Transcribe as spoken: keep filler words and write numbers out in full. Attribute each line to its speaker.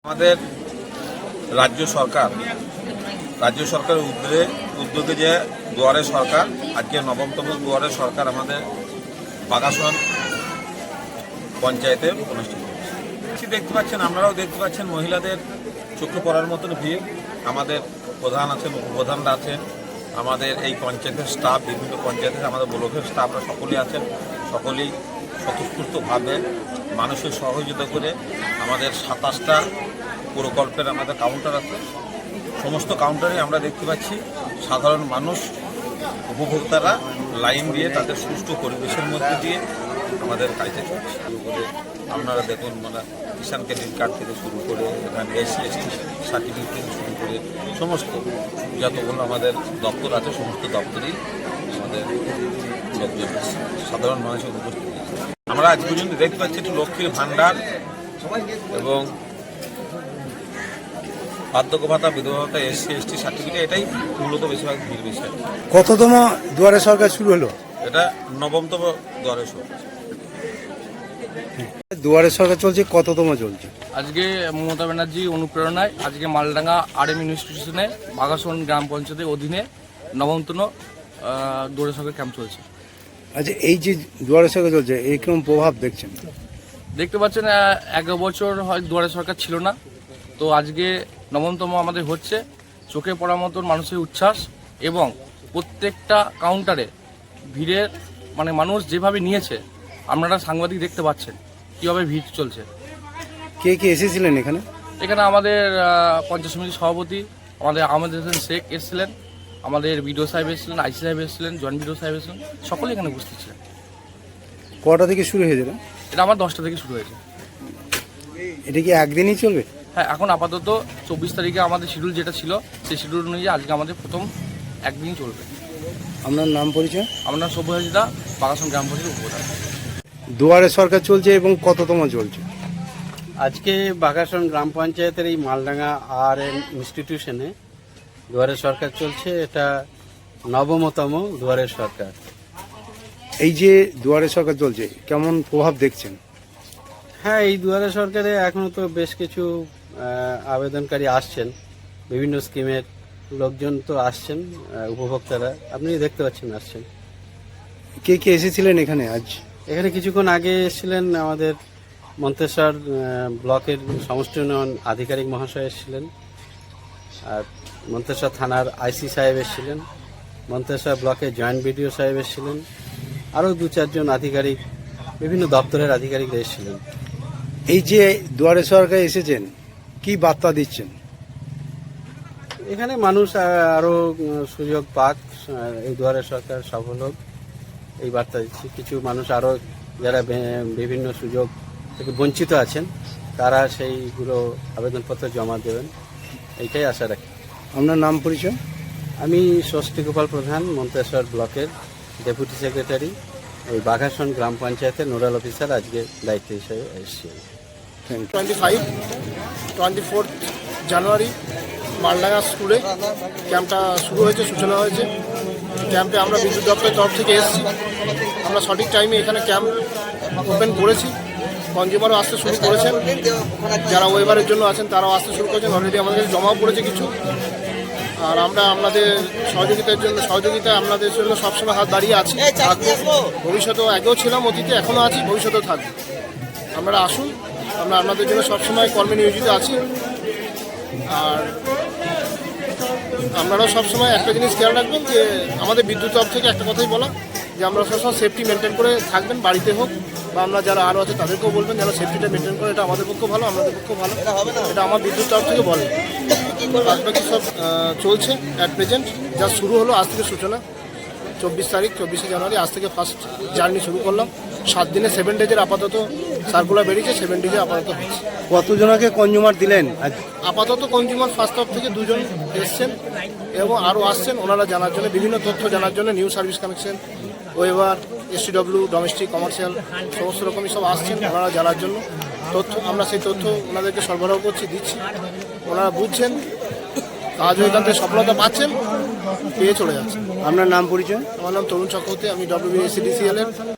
Speaker 1: আমাদের রাজ্য সরকার রাজ্য সরকারের উদ্যোগে উদ্যোগে যে দুয়ারে সরকার আজকে নবমতম দুয়ারে সরকার আমাদের বাগাসন পঞ্চায়েতে অনুষ্ঠিত হচ্ছে। দেখতে পাচ্ছেন, আপনারাও দেখতে পাচ্ছেন, মহিলাদের চোখে পড়ার মতন ভিড়। আমাদের প্রধান আছেন, উপপ্রধানরা আছেন, আমাদের এই পঞ্চায়েতের স্টাফ, বিভিন্ন পঞ্চায়েতের আমাদের ব্লকের স্টাফরা সকলেই আছেন। সকলেই স্বতঃস্ফূর্তভাবে মানুষের সহযোগিতা করে আমাদের সাতাশটা প্রকল্পের আমাদের কাউন্টার আছে। সমস্ত কাউন্টারে আমরা দেখতে পাচ্ছি সাধারণ মানুষ, উপভোক্তারা লাইন দিয়ে তাদের সুষ্ঠু পরিবেশের মধ্যে দিয়ে আমাদের কাজে চলছে। আপনারা দেখুন, মানে কিষাণ ক্রেডিট কার্ড থেকে শুরু করে এখানে এসসি এসটি সার্টিফিকেট থেকে শুরু করে সমস্ত যতগুলো আমাদের দপ্তর আছে সমস্ত দপ্তরেই আমাদের লোকজন সাধারণ মানুষের উপস্থিত। আমরা আজ পর্যন্ত দেখতে পাচ্ছি একটু লক্ষ্মীর ভাণ্ডার এবং বার্ধক্য ভাতা, বিধবা ভাতা, এসসি এসটি সার্টিফিকেট, এটাই মূলত বেশিরভাগ ভিড় বিষয়।
Speaker 2: কততম দুয়ারে সরকার শুরু হলো?
Speaker 1: এটা নবমতম দুয়ারে সরকার।
Speaker 2: দুয়ারে সরকার চলছে, কততম চলছে?
Speaker 3: আজকে মমতা ব্যানার্জি অনুপ্রেরণায় আজকে মালডাঙ্গা আর এম ইনস্টিটিউশনে বাগাসন গ্রাম পঞ্চায়েতের অধীনে নবমতম দুয়ারে সরকার ক্যাম্প চলছে।
Speaker 2: আচ্ছা, এই যে দুয়ারে সরকার চলছে, এই কিরকম প্রভাব দেখছেন?
Speaker 3: দেখতে পাচ্ছেন, এক বছর হয় দুয়ারে সরকার ছিল না, তো আজকে নবমতম আমাদের হচ্ছে। চোখে পড়ার মতন মানুষের উচ্ছ্বাস এবং প্রত্যেকটা কাউন্টারে ভিড়ের মানে মানুষ যেভাবে নিয়েছে, আপনারা সাংবাদিক দেখতে পাচ্ছেন কীভাবে ভিড় চলছে।
Speaker 2: কে কে এসেছিলেন এখানে?
Speaker 3: এখানে আমাদের পঞ্চায়েত সমিতির সভাপতি আমাদের আহমেদ হোসেন শেখ এসেছিলেন, আমাদের বিডিও সাহেব এসেছিলেন, আইসি সাহেব এসেছিলেন, জয়েন্ট বিডিও সাহেব এসেছিলেন, সকলেই এখানে উপস্থিত ছিলেন।
Speaker 2: কটা থেকে শুরু হয়েছিল?
Speaker 3: এটা আমার দশটা থেকে শুরু হয়েছে।
Speaker 2: এটা কি একদিনই চলবে?
Speaker 3: হ্যাঁ, এখন আপাতত চব্বিশ তারিখে আমাদের শিডিউল যেটা ছিল সেই শিডিউল অনুযায়ী আজকে আমাদের প্রথম একদিনই চলবে।
Speaker 2: আপনার নাম পরিচয়?
Speaker 3: আমার নাম সব্য হাজরা, বাগাসন গ্রাম পঞ্চায়েত উপপ্রধান।
Speaker 2: দুয়ারে সরকার চলছে এবং কততম চলছে?
Speaker 4: আজকে বাগাসন গ্রাম পঞ্চায়েতের এই মালডাঙ্গা আর এন ইনস্টিটিউশনে দুয়ারে সরকার চলছে। এটা নবমতম দুয়ারে সরকার।
Speaker 2: এই যে দুয়ারে সরকার চলছে, কেমন প্রভাব দেখছেন?
Speaker 4: হ্যাঁ, এই দুয়ারে সরকারে এখনও তো বেশ কিছু আহ, আবেদনকারী আসছেন, বিভিন্ন স্কিমের লোকজন তো আসছেন, আহ, উপভোক্তারা আপনি দেখতে পাচ্ছেন আসছেন।
Speaker 2: কে কে এসেছিলেন এখানে আজ?
Speaker 4: এখানে কিছুক্ষণ আগে এসেছিলেন আমাদের মন্তেশ্বর আহ, ব্লকের সমষ্টি উন্নয়ন আধিকারিক মহাশয় এসেছিলেন, আর মন্তেশ্বর থানার আইসি সাহেব এসেছিলেন, মন্তেশ্বর ব্লকের জয়েন্ট বিডিও সাহেব এসেছিলেন, আরও দু চারজন আধিকারিক, বিভিন্ন দপ্তরের আধিকারিকরা এসেছিলেন।
Speaker 2: এই যে দুয়ারে সরকার এসেছেন, কি বার্তা দিচ্ছেন?
Speaker 4: এখানে মানুষ আহ, আরও উম, সুযোগ পাক, আহ, এই দুয়ারে সরকার সফল হোক এই বার্তা দিচ্ছি। কিছু মানুষ আরও যারা বে- বিভিন্ন সুযোগ থেকে বঞ্চিত আছেন তারা সেইগুলো আবেদনপত্র জমা দেবেন, এইটাই আশা রাখি।
Speaker 2: আপনার নাম পরিচয়?
Speaker 4: আমি ষষ্ঠী গোপাল প্রধান, মন্তেশ্বর ব্লকের ডেপুটি সেক্রেটারি, এই বাঘাসন গ্রাম পঞ্চায়েতের নোডাল অফিসার আজকে দায়িত্ব হিসেবে এসেছি।
Speaker 2: Thank you.
Speaker 5: Twenty five twenty fourth January Maldanga স্কুলে ক্যাম্পটা শুরু হয়েছে, সূচনা হয়েছে। ক্যাম্পে আমরা বিদ্যুৎ দপ্তরের তরফ থেকে এসেছি। আমরা সঠিক টাইমে এখানে ক্যাম্প ওপেন করেছি। কনজিউমারও আসতে শুরু করেছেন, যারা ওয়েবারের জন্য আছেন তারাও আসতে শুরু করেছেন। অলরেডি আমাদের কাছে জমাও পড়েছে কিছু। আর আমরা আপনাদের সহযোগিতার জন্য সহযোগিতায় আপনাদের জন্য সবসময় হাত দাঁড়িয়ে আছি, থাকবো। ভবিষ্যতেও আগেও ছিলাম, অতীতে এখনও আছি, ভবিষ্যতেও থাকবো। আপনারা আসুন, আমরা আপনাদের জন্য সবসময় কর্মে নিয়োজিত আছি। আর আপনারাও সবসময় একটা জিনিস খেয়াল রাখবেন যে আমাদের বিদ্যুৎ তরফ থেকে একটা কথাই বলা, যে আমরা সবসময় সেফটি মেনটেন করে থাকবেন, বাড়িতে হোক বা আমরা যারা আরও আছে তাদেরকেও বলবেন যেন সেফটিটা মেনটেন করে। এটা আমাদের পক্ষে ভালো, আপনাদের পক্ষেও ভালো, এটা আমার বিদ্যুৎ তরফ থেকে বলে। বাকি সব আহ, চলছে অ্যাট প্রেজেন্ট। যা শুরু হলো আজ থেকে সূচনা, চব্বিশ তারিখ চব্বিশে জানুয়ারি আজ থেকে ফার্স্ট জার্নি শুরু করলাম। সাত দিনে সেভেন ডেজের আপাতত সার্কুলার বেরিয়েছে, সেভেন ডেজে আপাতত হচ্ছে।
Speaker 2: কতজনকে কনজিউমার দিলেন আজ?
Speaker 5: আপাতত কনজিউমার ফার্স্ট তরফ থেকে দুজন এসছেন এবং আরও আসছেন ওনারা জানার জন্য, বিভিন্ন তথ্য জানার জন্য। নিউ সার্ভিস কানেকশন, ওয়েবার, এসটিডব্লিউ, ডোমেস্টিক, কমার্শিয়াল সমস্ত রকমই সব আসছেন ওনারা জানার জন্য। তথ্য আমরা সেই তথ্য ওনাদেরকে সরবরাহ করছি, দিচ্ছি। ওনারা বুঝছেন, কাজ এখান থেকে সফলতা পাচ্ছেন, পেয়ে চলে যাচ্ছেন।
Speaker 2: আপনার নাম পরিচয়?
Speaker 5: আমার নাম তরুণ চক্রবর্তী, আমি ডব্লিউবিএসসিডিসিএল এর